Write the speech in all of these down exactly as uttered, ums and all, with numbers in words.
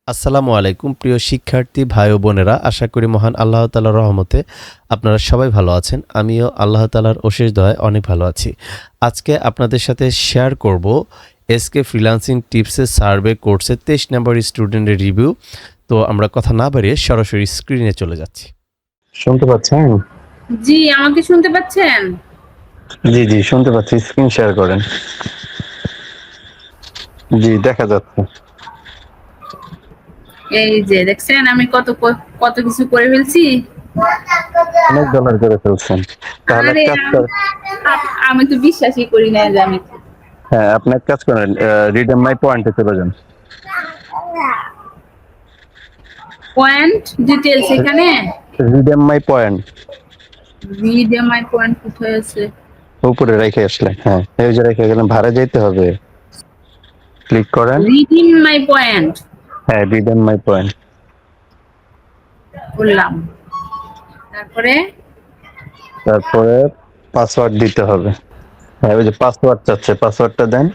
আসসালামু আলাইকুম প্রিয় শিক্ষার্থী ভাই ও বোনেরা, আশা করি মহান আল্লাহ তাআলার রহমতে আপনারা সবাই ভালো আছেন। আমিও আল্লাহ তাআলার অশেষ দয়ায় অনেক ভালো আছি। আজকে আপনাদের সাথে শেয়ার করব এসকে ফ্রিল্যান্সিং টিপসের সার্ভে কোর্সের তেইশ নম্বর স্টুডেন্টের রিভিউ। তো আমরা কথা না বাড়িয়ে সরাসরি স্ক্রিনে চলে যাচ্ছি। শুনতে পাচ্ছেন? জি, আমাকে শুনতে পাচ্ছেন? জি জি শুনতে পাচ্ছি। স্ক্রিন শেয়ার করেন। জি, দেখা যাচ্ছে। এই যে দেখছেন আমি কত কত কিছু করে ফেলছি। অনেক ডলার করে ফেলছেন। তাহলে আরে এক কাজ করেন। আমি তো বিশ্বাসই করি না যে আমি হ্যাঁ, আপনি এক কাজ করেন, রিডেম মাই পয়েন্টে চলে যান। পয়েন্ট ডিটেইলস এখানে redeem my point video my point কোথায় আছে? উপরে রেখে আসলেন। হ্যাঁ, এই যে রেখে গেলেন, ভাড়া যেতে হবে। ক্লিক করেন। রিডিম মাই পয়েন্ট হ্যাঁ, রিডেম মাই পয়েন্ট বললাম। তারপরে তারপরে পাসওয়ার্ড দিতে হবে। হ্যাঁ, ওই যে পাসওয়ার্ড চাচ্ছে, পাসওয়ার্ডটা দেন।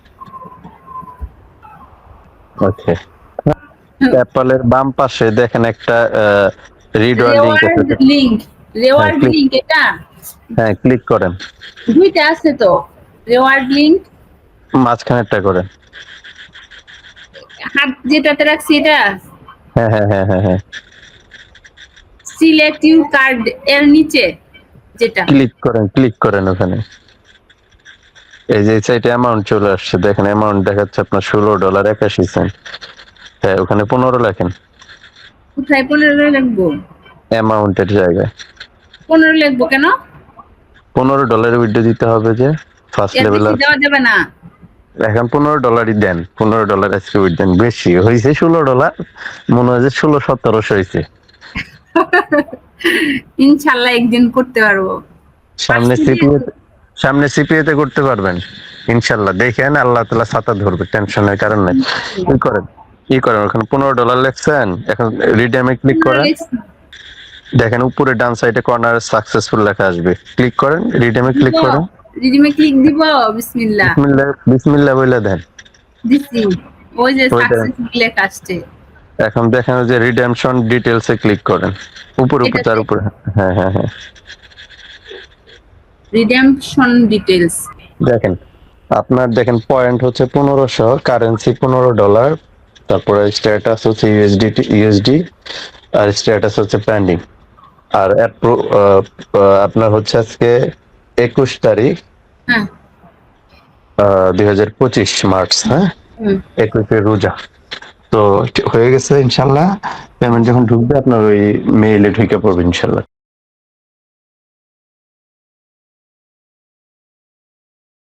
ওকে। অ্যাপলের বাম পাশে দেখেন একটা রিডওয়ার লিংক আছে। Reward link reward click- link এটা হ্যাঁ, ক্লিক করেন। দুইটা আছে তো, রেওয়ার্ড লিংক মাঝখানেরটা করেন। হাত যেটাতে রাখছি এটা হ্যাঁ হ্যাঁ হ্যাঁ হ্যাঁ হ্যাঁ সিলেক্ট ইউ কার্ড এর নিচে যেটা ক্লিক করেন, ক্লিক করেন ওখানে। এই যে সাইটে অ্যামাউন্ট চলে আসছে, দেখেন অ্যামাউন্ট দেখাচ্ছে আপনার ষোলো ডলার একাশি সেন্ট। হ্যাঁ, ওখানে পনেরো লেখেন কোথায় পনেরো লিখবো? অ্যামাউন্টের জায়গায়। পনেরো লিখবো কেন? পনেরো ডলারের উইথড্র দিতে হবে যে ফার্স্ট এর লেভেল। বেশি দেওয়া যাবে না। এখন পনেরো ডলারই দেন, পনেরো ডলার আজকে উইথ দেন। বেশি হয়েছে ষোলো ডলার, মনে হয় যে ষোলো সতেরোশো হয়েছে। ইনশাল্লাহ একদিন করতে পারবো। সামনে সিপিএ সামনে সিপিএ তে করতে পারবেন ইনশাল্লাহ। দেখেন আল্লাহ তাআলা ছাতা ধরবে, টেনশনের কারণ নেই। কি করেন কি করেন ওখানে পনেরো ডলার লেখছেন, এখন রিডেমে ক্লিক করেন। দেখেন উপরে ডান সাইডে কর্নারে সাকসেসফুল লেখা আসবে, ক্লিক করেন, রিডেমে ক্লিক করেন। রিডিমে ক্লিক দিব। বিসমিল্লাহ বিসমিল্লাহ বিসমিল্লাহ বলে দেন। দিছি, ওই যে ওইটা। সাকসেসফুল লেখা আসছে। এখন দেখেন যে রিডেমশন ডিটেইলস এ ক্লিক করেন, উপর উপর তার উপরে। হ্যাঁ হ্যাঁ হ্যাঁ রিডেমশন ডিটেইলস দেখেন আপনার, দেখেন পয়েন্ট হচ্ছে পনেরোশো, কারেন্সি পনেরো ডলার, তারপরে স্ট্যাটাস হচ্ছে ইউএসডি ইউএসডি, আর স্ট্যাটাস হচ্ছে পেন্ডিং। আর আপনার হচ্ছে আজকে একুশ তারিখ হ্যাঁ দুই হাজার পঁচিশ মার্চ। হ্যাঁ, একুশে রোজা। তো হয়ে গেছে ইনশাল্লাহ। পেমেন্ট যখন ঢুকবে আপনার ওই মেইলে ঢুকে পড়বে ইনশাল্লাহ।